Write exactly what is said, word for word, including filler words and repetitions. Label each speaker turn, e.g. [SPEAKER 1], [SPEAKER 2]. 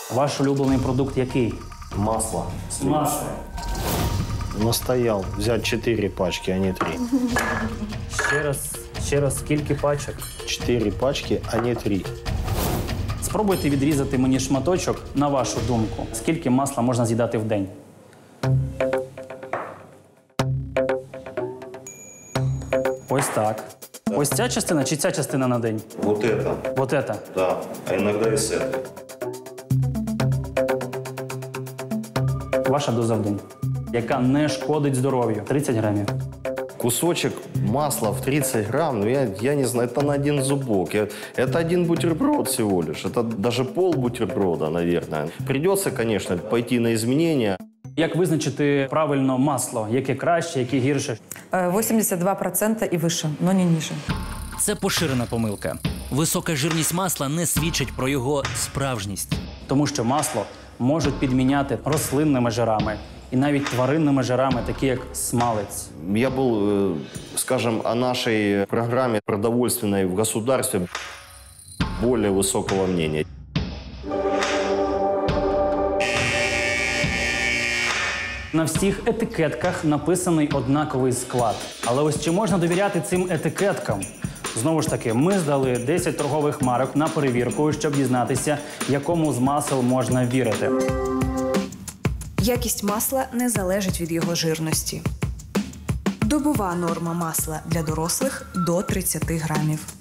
[SPEAKER 1] Ваш улюблений продукт який?
[SPEAKER 2] Масло.
[SPEAKER 1] Масло.
[SPEAKER 2] Настоял взять четыре пачки, а не три.
[SPEAKER 1] Ще раз, ще раз, скільки пачок?
[SPEAKER 2] Четыре пачки, а не три.
[SPEAKER 1] Спробуйте відрізати мені шматочок, на вашу думку. Скільки масла можна з'їдати в день? Ось так. Ось ця частина чи ця частина на день?
[SPEAKER 3] Вот это,
[SPEAKER 1] Вот это.
[SPEAKER 3] да, а иногда и с этой.
[SPEAKER 1] Ваша доза в день, яка не шкодить здоров'ю. тридцять грамів.
[SPEAKER 2] Кусочек масла в тридцать грамм, ну я, я не знаю, это на один зубок. Я, это один бутерброд всего лишь. Это даже пол бутерброда, наверное. Придется, конечно, пойти на изменения.
[SPEAKER 1] Як визначити правильно масло? Яке краще, яке гірше?
[SPEAKER 4] восемьдесят два процента и выше, но не ниже.
[SPEAKER 5] Це поширена помилка. Висока жирність масла не свідчить про його справжність.
[SPEAKER 1] Тому що масло можуть підміняти рослинними жирами і навіть тваринними жирами, такі як смалець.
[SPEAKER 2] Я был, э, скажем, о нашей программе продовольственной в государстве более высокого мнения.
[SPEAKER 1] На всіх етикетках написаний однаковий склад. Але ось чи можна довіряти цим етикеткам? Знову ж таки, ми здали десять торгових марок на перевірку, щоб дізнатися, якому з масел можна вірити.
[SPEAKER 6] Якість масла не залежить від його жирності. Добова норма масла для дорослих – до тридцяти грамів.